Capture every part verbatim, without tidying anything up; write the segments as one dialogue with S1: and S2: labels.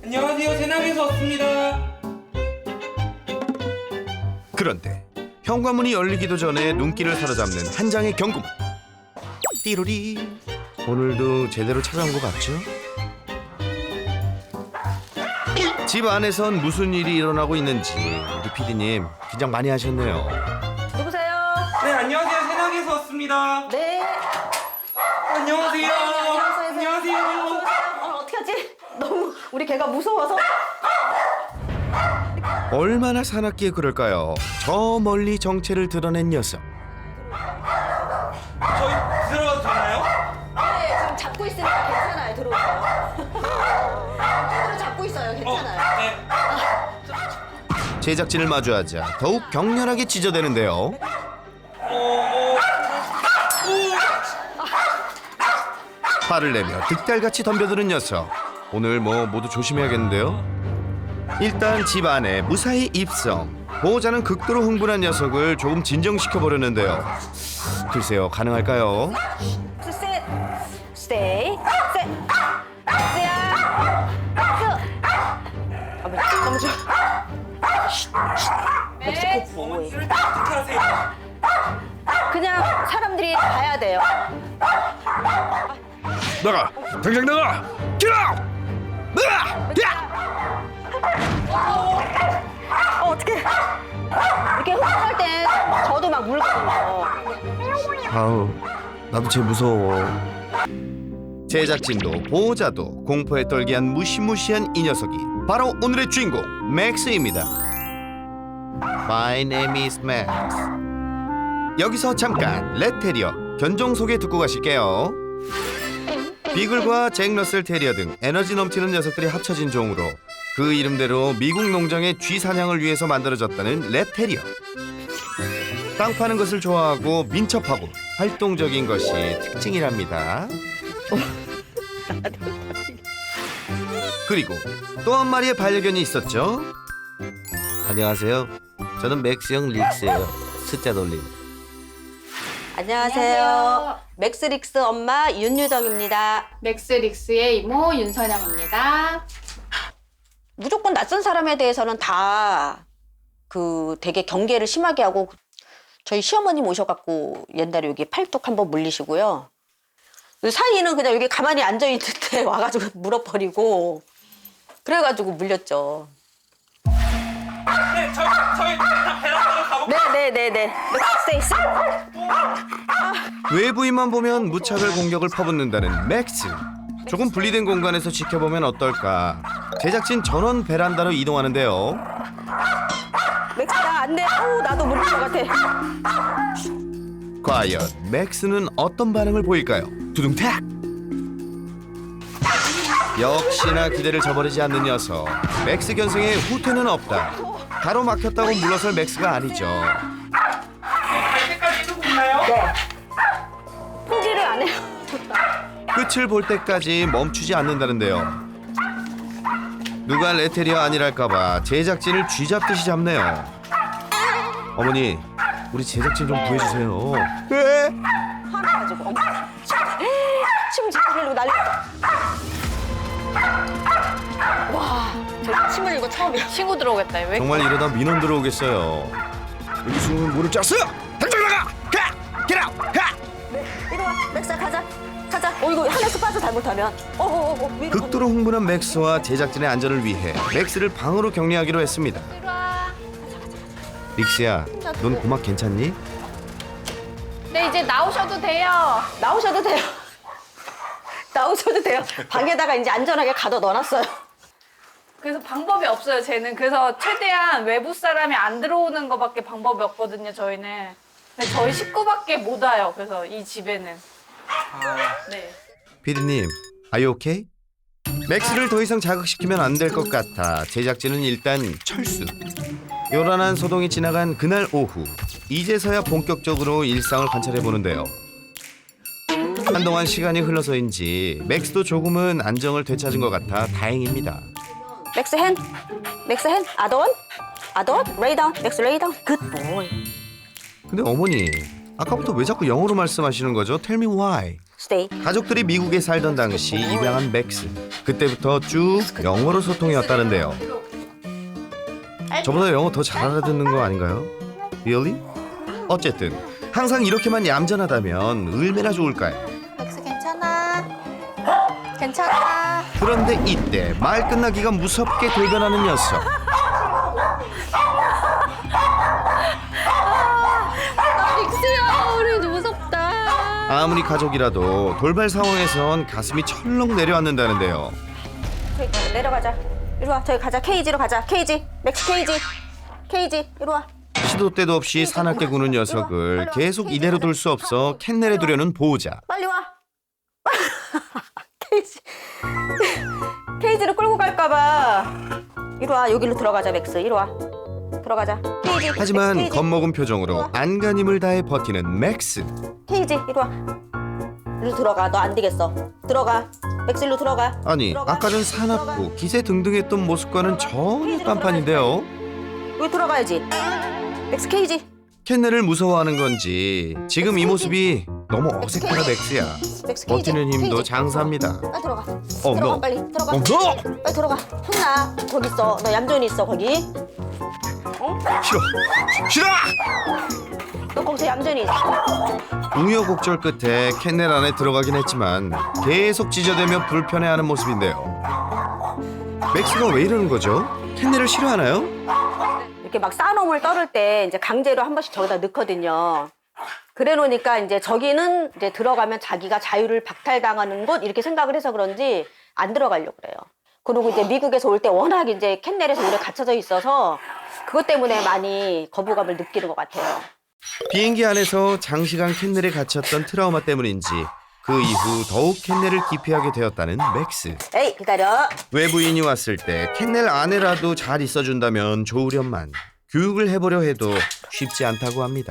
S1: 안녕하세요. 새나기에서 왔습니다.
S2: 그런데 현관문이 열리기도 전에 눈길을 사로잡는 한 장의 경고문. 띠로리. 오늘도 제대로 찾아온 것 같죠? 집 안에선 무슨 일이 일어나고 있는지 우리 피디님 긴장 많이 하셨네요.
S3: 누구세요?
S1: 네, 안녕하세요. 새나기에서 왔습니다.
S3: 네.
S1: 안녕하세요.
S3: 안녕하세요.
S1: 안녕하세요.
S3: 어, 어떻게 하지? 너무 우리 개가 무서워서.
S2: 얼마나 사납기에 그럴까요? 저 멀리 정체를 드러낸 녀석.
S1: 저희 들어가도 되나요?
S3: 네, 지금 잡고 있으니까 괜찮아요. 들어오세요. 손으로 잡고 있어요. 괜찮아요.
S1: 어, 네.
S2: 제작진을 마주하자 더욱 격렬하게 찢어대는데요.
S1: 어, 어.
S2: 화를 내며 득달같이 덤벼드는 녀석. 오늘 뭐 모두 조심해야겠는데요. 일단 집 안에 무사히 입성. 보호자는 극도로 흥분한 녀석을 조금 진정시켜 보려는데요. 글쎄요, 가능할까요?
S3: 스세, 스테이, 세, 세야, 스. 어머, 너무 좋아. 멕시코 보호해.
S1: 어머니를 어떻게 하세요?
S3: 그냥 사람들이 봐야 돼요.
S2: 나가! 당장 나가! Get out! 나가! 야!
S3: 어, 어떡해. 이렇게 흥분할 땐 저도 막 물거든요.
S2: 아우, 나도 쟤 무서워. 제작진도 보호자도 공포에 떨게 한 무시무시한 이 녀석이 바로 오늘의 주인공 맥스입니다. My name is Max. 여기서 잠깐 레테리어 견종 소개 듣고 가실게요. 비글과 잭러셀 테리어 등 에너지 넘치는 녀석들이 합쳐진 종으로 그 이름대로 미국 농장의 쥐 사냥을 위해서 만들어졌다는 레테리어. 땅 파는 것을 좋아하고 민첩하고 활동적인 것이 특징이랍니다. 그리고 또 한 마리의 반려견이 있었죠. 안녕하세요. 저는 맥스형 릭스예요. 숫자 돌림.
S3: 안녕하세요. 맥스릭스 엄마 윤유정입니다.
S4: 맥스릭스의 이모 윤선영입니다.
S3: 무조건 낯선 사람에 대해서는 다 그 되게 경계를 심하게 하고 저희 시어머님 오셔갖고 옛날에 여기 팔뚝 한번 물리시고요. 그 사이는 그냥 여기 가만히 앉아있는데 와가지고 물어버리고 그래가지고 물렸죠.
S1: 네, 저희 저희 베란다로 가볼까요?
S3: 네네네네. 맥스테이스.
S2: 외부인만 보면 무차별 공격을 퍼붓는다는 맥스. 조금 분리된 공간에서 지켜보면 어떨까. 제작진 전원 베란다로 이동하는데요.
S3: 맥스야 안 돼. 아우 나도 물릴 것 같아.
S2: 과연 맥스는 어떤 반응을 보일까요? 두둥탁! 역시나 기대를 저버리지 않는 녀석. 맥스 견생에 후퇴는 없다. 가로막혔다고 물러설 맥스가 아니죠.
S1: 갈 때까지 이러고 있나요?
S3: 네. 포기를 안 해요.
S2: 끝을 볼 때까지 멈추지 않는다는데요. 누가 레테리어 아니랄까봐 제작진을 쥐잡듯이 잡네요. 어머니, 우리 제작진 좀 구해주세요. 왜?
S3: 화나가지고 어머. 침 질 흘리고 난리났다. 와, 저 침 흘린 거 처음이야.
S4: 친구 들어오겠다. 왜?
S2: 정말 이러다 민원 들어오겠어요. 여기 숨으면 문을 짰어! 당장 나가! 가! Get out! 가!
S3: 이리 와, 맥스야 가자. 가자. 어 이거 하나씩 빠져 잘못하면. 어어어. 어, 위로.
S2: 극도로 흥분한 맥스와 제작진의 안전을 위해 맥스를 방으로 격리하기로 했습니다. 릭스야, 넌 고막 괜찮니?
S4: 네, 이제 나오셔도 돼요.
S3: 나오셔도 돼요. 나오셔도 돼요. 방에다가 이제 안전하게 가둬 넣어놨어요.
S4: 그래서 방법이 없어요, 쟤는. 그래서 최대한 외부 사람이 안 들어오는 거밖에 방법이 없거든요, 저희는. 근데 저희 식구밖에 못 와요, 그래서 이 집에는. 네.
S2: 피디님, are you okay? 맥스를 더 이상 자극시키면 안 될 것 같아 제작진은 일단 철수. 요란한 소동이 지나간 그날 오후, 이제서야 본격적으로 일상을 관찰해보는데요. 한동안 시간이 흘러서인지 맥스도 조금은 안정을 되찾은 것 같아 다행입니다.
S3: 맥스 핸. 맥스 핸. 아돈. 아돈. 레이 다운. 맥스 레이 다운. 굿 보이.
S2: 근데 어머니, 아까부터 왜 자꾸 영어로 말씀하시는 거죠? Tell me why.
S3: stay.
S2: 가족들이 미국에 살던 당시 입양한 맥스. 그때부터 쭉 영어로 소통이었다는데요. 저보다 영어 더 잘 알아듣는 거 아닌가요? Really? 어쨌든 항상 이렇게만 얌전하다면 얼마나 좋을까요?
S3: 맥스 괜찮아. 괜찮아.
S2: 그런데 이때 말 끝나기가 무섭게 돌변하는 녀석.
S3: 맥스야, 우리 무섭다.
S2: 아무리 가족이라도 돌발 상황에선 가슴이 철렁 내려앉는다는데요.
S3: 저기 가자, 내려가자. 이리 와, 저기 가자. 케이지로 가자. 케이지. 맥스 케이지. 케이지. 이리 와.
S2: 시도 때도 없이 사납게 구는 녀석을 계속 이대로 둘 수 없어 캔넬에 두려는 보호자.
S3: 빨리 와. 케이지. 케이지로 끌고 갈까봐. 이리 와, 여기로 들어가자, 맥스. 이리 와. 들어가자. 케이지.
S2: 하지만
S3: 케이지.
S2: 겁먹은 표정으로 안간힘을 다해 버티는 맥스.
S3: 케이지. 이리 와. 이리로 들어가. 너 안 되겠어. 들어가. 맥스 일로 들어가.
S2: 아니
S3: 들어가.
S2: 아까 전 사납고 기세등등했던 모습과는 전혀 딴판인데요.
S3: 여기 들어가야지. 맥스 케이지.
S2: 캔넬을 무서워하는 건지 지금 이 모습이 너무 어색하다 맥스야.
S3: 맥스 케이지.
S2: 버티는 힘도
S3: 케이지.
S2: 장사입니다.
S3: 빨리 들어가.
S2: 어,
S3: 들어가
S2: 너.
S3: 빨리. 들어가.
S2: 어, 너.
S3: 빨리 들어가. 혼나. 거기 있어. 너 얌전히 있어 거기.
S2: 싫어. 싫어.
S3: 너 거기서 얌전히 있어.
S2: 우여곡절 끝에 캔넬 안에 들어가긴 했지만 계속 찢어대며 불편해하는 모습인데요. 맥스가 왜 이러는 거죠? 캔넬을 싫어하나요?
S3: 이렇게 막 싸놈을 떨을 때 이제 강제로 한 번씩 저기다 넣거든요. 그래 놓으니까 이제 저기는 이제 들어가면 자기가 자유를 박탈당하는 곳 이렇게 생각을 해서 그런지 안 들어가려고 그래요. 그리고 이제 미국에서 올 때 워낙 이제 캔넬에서 오래 갇혀져 있어서 그것 때문에 많이 거부감을 느끼는 것 같아요.
S2: 비행기 안에서 장시간 캔넬에 갇혔던 트라우마 때문인지 그 이후 더욱 캔넬을 기피하게 되었다는 맥스.
S3: 에이 기다려.
S2: 외부인이 왔을 때 캔넬 안에라도 잘 있어준다면 좋으련만 교육을 해보려 해도 쉽지 않다고 합니다.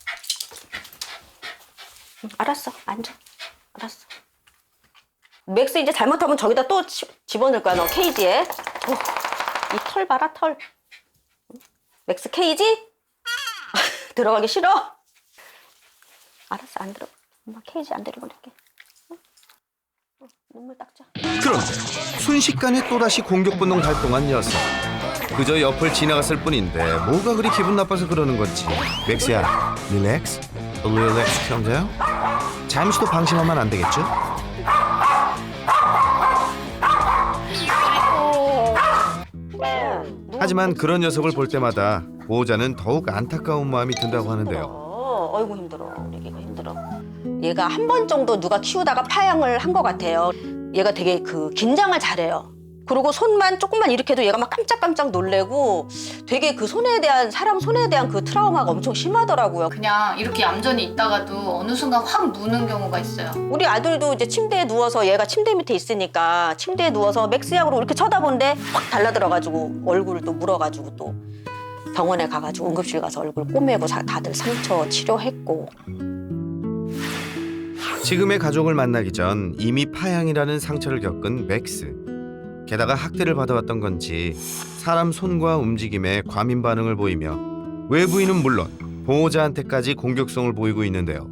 S3: 응, 알았어. 앉아. 알았어. 맥스 이제 잘못하면 저기다 또 치- 집어넣을 거야. 너 케이지에. 어, 이 털 봐라 털. 맥스 케이지? 들어가기 싫어? 알았어 안 들어. 엄마 케이지 안 데리고 갈게. 응? 어, 눈물 닦자.
S2: 그런데 순식간에 또다시 공격 본능 발동한 녀석. 그저 옆을 지나갔을 뿐인데 뭐가 그리 기분 나빠서 그러는 건지. 맥스야, 릴렉스, 릴렉스, calm down. 잠시도 방심하면 안 되겠죠? 하지만 그런 녀석을 볼 때마다 보호자는 더욱 안타까운 마음이 든다고 하는데요.
S3: 어, 어이구 힘들어. 우리 애가 힘들어. 얘가 한 번 정도 누가 키우다가 파양을 한 것 같아요. 얘가 되게 그 긴장을 잘해요. 그리고 손만 조금만 이렇게 해도 얘가 막 깜짝깜짝 놀래고 되게 그 손에 대한 사람 손에 대한 그 트라우마가 엄청 심하더라고요.
S4: 그냥 이렇게 얌전히 있다가도 어느 순간 확 무는 경우가 있어요.
S3: 우리 아들도 이제 침대에 누워서 얘가 침대 밑에 있으니까 침대에 누워서 맥스 약으로 이렇게 쳐다보는데 확 달라들어가지고 얼굴을 또 물어가지고 또 병원에 가가지고 응급실 가서 얼굴 꼬매고 자- 다들 상처 치료했고.
S2: 지금의 가족을 만나기 전 이미 파양이라는 상처를 겪은 맥스. 게다가 학대를 받아왔던 건지 사람 손과 움직임에 과민 반응을 보이며 외부인은 물론 보호자한테까지 공격성을 보이고 있는데요.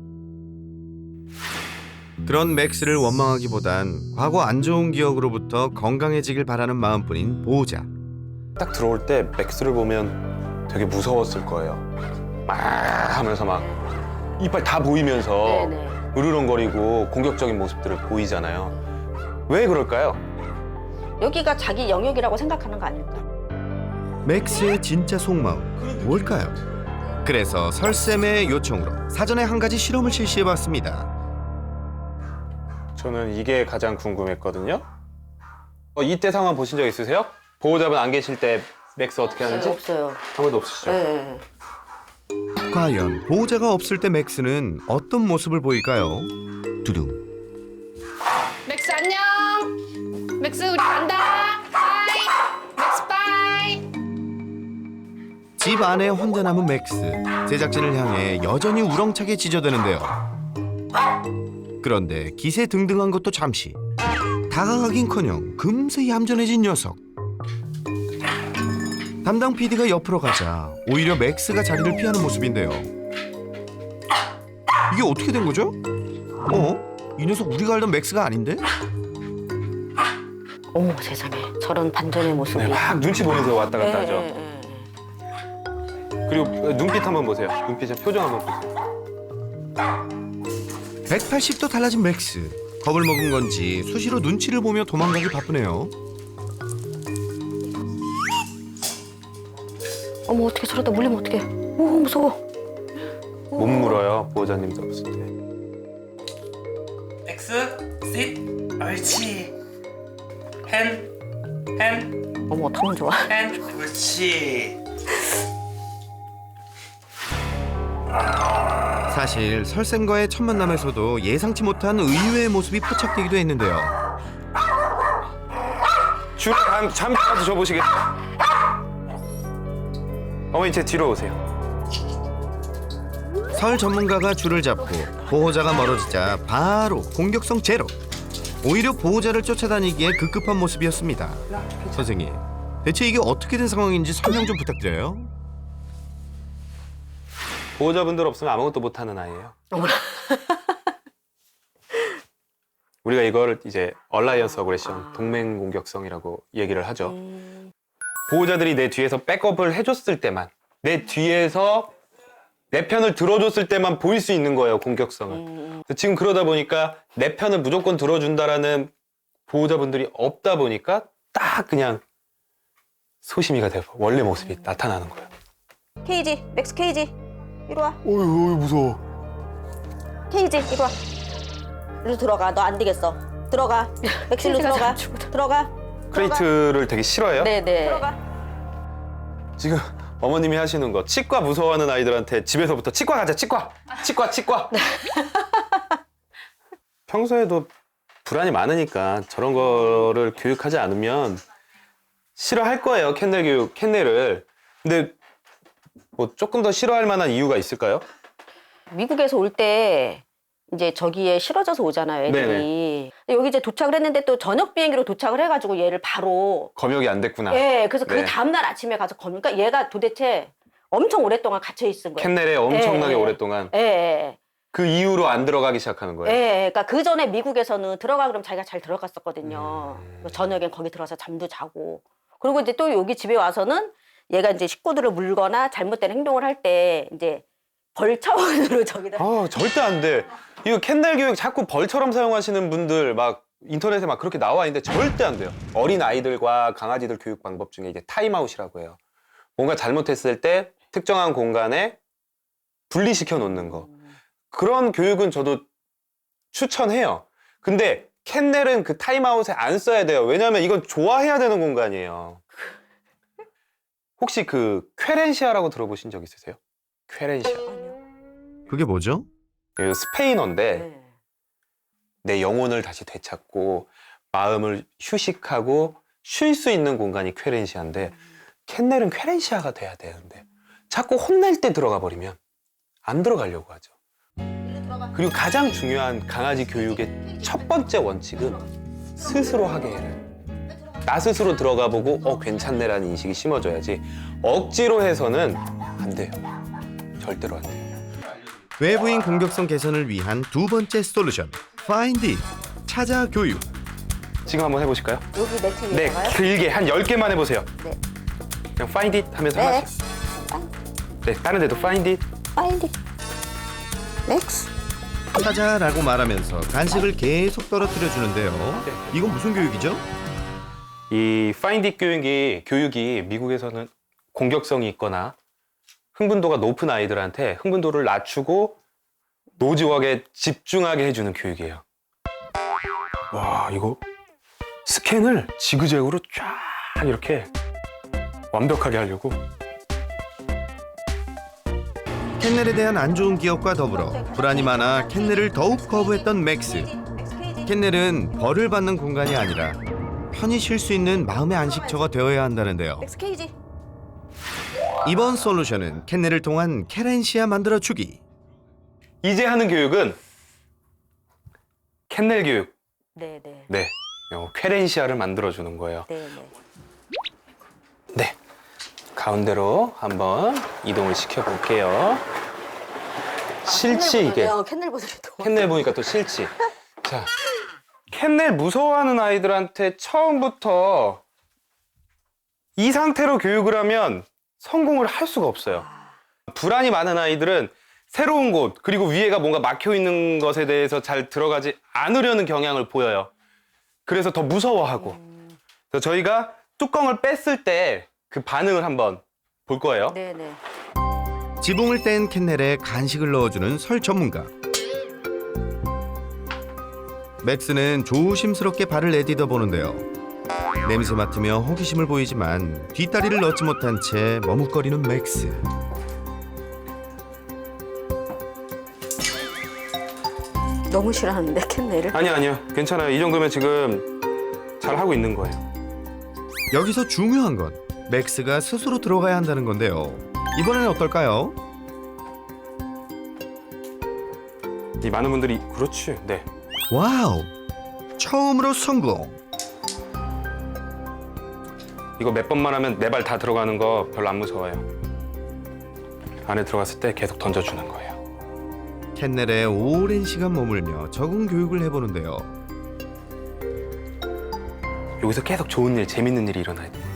S2: 그런 맥스를 원망하기보단 과거 안 좋은 기억으로부터 건강해지길 바라는 마음뿐인 보호자.
S5: 딱 들어올 때 맥스를 보면 되게 무서웠을 거예요. 막 하면서 막 이빨 다 보이면서
S3: 네네.
S5: 으르렁거리고 공격적인 모습들을 보이잖아요. 왜 그럴까요?
S3: 여기가 자기 영역이라고 생각하는 거 아닐까?
S2: 맥스의 진짜 속마음 뭘까요? 그래서 설쌤의 요청으로 사전에 한 가지 실험을 실시해봤습니다.
S5: 저는 이게 가장 궁금했거든요. 어, 이때 상황 보신 적 있으세요? 보호자분 안 계실 때 맥스 어떻게 하는지?
S3: 없어요.
S5: 한 번도 없으시죠?
S3: 네.
S2: 과연 보호자가 없을 때 맥스는 어떤 모습을 보일까요? 두둥.
S4: 맥스 안녕. 맥스 우리 간다. 바이. 맥스 바이.
S2: 집 안에 혼자 남은 맥스. 제작진을 향해 여전히 우렁차게 짖어대는데요. 그런데 기세 등등한 것도 잠시. 다가가긴커녕 금세 얌전해진 녀석. 담당 피디가 옆으로 가자 오히려 맥스가 자리를 피하는 모습인데요. 이게 어떻게 된 거죠? 어? 이 녀석 우리가 알던 맥스가 아닌데?
S3: 어머 세상에 저런 반전의 모습이.
S5: 네, 막 눈치 보면서 왔다 갔다
S3: 예,
S5: 하죠.
S3: 예, 예.
S5: 그리고 눈빛 한번 보세요. 눈빛의 표정 한번 보세요.
S2: 백팔십 도 달라진 맥스. 겁을 먹은 건지 수시로 눈치를 보며 도망가기 바쁘네요.
S3: 어머 어떻게 저러다 물리면 어떡해. 오 무서워.
S5: 못 물어요. 보호자님 잡았을 때.
S1: 엑스, 싯, 옳지. 펜, 펜,
S3: 어머 어떡하면 좋아.
S1: 펜, 옳지.
S2: 사실 설쌤과의 첫 만남에서도 예상치 못한 의외의 모습이 포착되기도 했는데요.
S5: 줄을 한 잠깐만 줘보시겠어요? 어머니 제 뒤로 오세요.
S2: 설 전문가가 줄을 잡고 보호자가 멀어지자 바로 공격성 제로. 오히려 보호자를 쫓아다니기에 급급한 모습이었습니다. 선생님, 대체 이게 어떻게 된 상황인지 설명 좀 부탁드려요.
S5: 보호자분들 없으면 아무것도 못하는 아이예요.
S3: 어머나.
S5: 우리가 이거를 이제 얼라이언스 어그레션, 동맹 공격성이라고 얘기를 하죠.
S3: 음.
S5: 보호자들이 내 뒤에서 백업을 해줬을 때만, 내 뒤에서 내 편을 들어줬을 때만 보일 수 있는 거예요, 공격성을.
S3: 음.
S5: 지금 그러다 보니까 내 편을 무조건 들어준다라는 보호자분들이 없다 보니까 딱 그냥 소심이가 되고 원래 모습이
S3: 음.
S5: 나타나는 거예요.
S3: 케이지 맥스 케이지 이리 와.
S5: 어휴, 어휴 무서워.
S3: 케이지 이리 와. 이리 들어가. 너 안 되겠어. 들어가. 맥실로 들어가. 들어가.
S5: 크레이트를 되게 싫어해요.
S3: 네네. 들어가.
S5: 지금 어머님이 하시는 거 치과 무서워하는 아이들한테 집에서부터 치과 가자 치과 치과 치과 평소에도 불안이 많으니까 저런 거를 교육하지 않으면 싫어할 거예요. 캔넬 교육 캔넬을. 근데 뭐 조금 더 싫어할 만한 이유가 있을까요?
S3: 미국에서 올 때 이제 저기에 실어져서 오잖아요, 애들이. 근데 여기 이제 도착을 했는데 또 저녁 비행기로 도착을 해가지고 얘를 바로.
S5: 검역이 안 됐구나.
S3: 예, 그래서 그
S5: 네.
S3: 다음날 아침에 가서 검니까 얘가 도대체 엄청 오랫동안 갇혀 있은 거예요.
S5: 캔넬에 엄청나게
S3: 예, 예.
S5: 오랫동안
S3: 예, 예.
S5: 그 이후로 안 들어가기 시작하는
S3: 예,
S5: 거예요.
S3: 예. 그러니까 그 전에 미국에서는 들어가 그러면 자기가 잘 들어갔었거든요.
S5: 음.
S3: 저녁엔 거기 들어가서 잠도 자고. 그리고 이제 또 여기 집에 와서는 얘가 이제 식구들을 물거나 잘못된 행동을 할 때 이제 벌 차원으로 저기다.
S5: 아 절대 안 돼. 이거 캔넬 교육 자꾸 벌처럼 사용하시는 분들 막 인터넷에 막 그렇게 나와 있는데 절대 안 돼요. 어린 아이들과 강아지들 교육 방법 중에 이제 타임아웃이라고 해요. 뭔가 잘못했을 때 특정한 공간에 분리시켜 놓는 거. 그런 교육은 저도 추천해요. 근데 캔넬은 그 타임아웃에 안 써야 돼요. 왜냐하면 이건 좋아해야 되는 공간이에요. 혹시 그 쾌렌시아라고 들어보신 적 있으세요? 쾌렌시아.
S2: 그게 뭐죠?
S5: 이거 스페인어인데
S3: 네.
S5: 내 영혼을 다시 되찾고 마음을 휴식하고 쉴 수 있는 공간이 쾌렌시아인데 캔넬은 쾌렌시아가 돼야 되는데 자꾸 혼낼 때 들어가 버리면 안 들어가려고 하죠. 그리고 가장 중요한 강아지 교육의 첫 번째 원칙은 스스로 하게 해를. 나 스스로 들어가 보고 어 괜찮네라는 인식이 심어져야지 억지로 해서는 안 돼요. 절대로 안 돼요.
S2: 외부인 공격성 개선을 위한 두 번째 솔루션, Find It, 찾아 교육.
S5: 지금 한번 해보실까요?
S3: 여기 매트
S5: 네,
S3: 위에다가요?
S5: 길게 한 열 개만 해보세요.
S3: 네.
S5: 그냥 find it 하면서
S3: 네.
S5: 하나씩. 네, 다른 데도 find it.
S3: 파인디. 맥스.
S2: 찾아라고 말하면서 간식을 계속 떨어뜨려 주는데요. 이건 무슨 교육이죠?
S5: 이 find it 교육이, 교육이 미국에서는 공격성이 있거나 흥분도가 높은 아이들한테 흥분도를 낮추고 노지웍에 집중하게 해주는 교육이에요. 와, 이거 스캔을 지그재그로 쫙 이렇게 완벽하게 하려고.
S2: 캔넬에 대한 안 좋은 기억과 더불어 불안이 많아 캔넬을 더욱 거부했던 맥스. 캔넬은 벌을 받는 공간이 아니라 편히 쉴 수 있는 마음의 안식처가 되어야 한다는데요.
S3: 맥스 케이지.
S2: 이번 솔루션은 캔넬을 통한 케렌시아 만들어주기.
S5: 이제 하는 교육은 캔넬 교육.
S3: 네네.
S5: 네, 요 쾌렌시아를 만들어주는 거예요.
S3: 네네.
S5: 네, 가운데로 한번 이동을 시켜볼게요. 싫지 이게.
S3: 캔넬 보드리도.
S5: 캔넬 보니까 또 싫지. 자, 캔넬 무서워하는 아이들한테 처음부터 이 상태로 교육을 하면 성공을 할 수가 없어요. 불안이 많은 아이들은 새로운 곳, 그리고 위에가 뭔가 막혀 있는 것에 대해서 잘 들어가지 않으려는 경향을 보여요. 그래서 더 무서워하고. 그래서 저희가 뚜껑을 뺐을 때 그 반응을 한번 볼 거예요.
S3: 네네.
S2: 지붕을 뗀 캔넬에 간식을 넣어주는 설 전문가. 맥스는 조심스럽게 발을 내디뎌 보는데요. 냄새 맡으며 호기심을 보이지만 뒷다리를 넣지 못한 채 머뭇거리는 맥스.
S3: 너무 싫어하는데 캔넬을.
S5: 아니요, 아니요. 괜찮아요. 이 정도면 지금 잘 하고 있는 거예요.
S2: 여기서 중요한 건 맥스가 스스로 들어가야 한다는 건데요. 이번에는 어떨까요?
S5: 이 많은 분들이 그렇지. 네.
S2: 와우! 처음으로 성공!
S5: 이거 몇 번만 하면 네 발 다 들어가는 거 별로 안 무서워요. 안에 들어갔을 때 계속 던져주는 거예요.
S2: 캔넬에 오랜 시간 머물며 적응 교육을 해보는데요.
S5: 여기서 계속 좋은 일, 재밌는 일이 일어나야 돼요.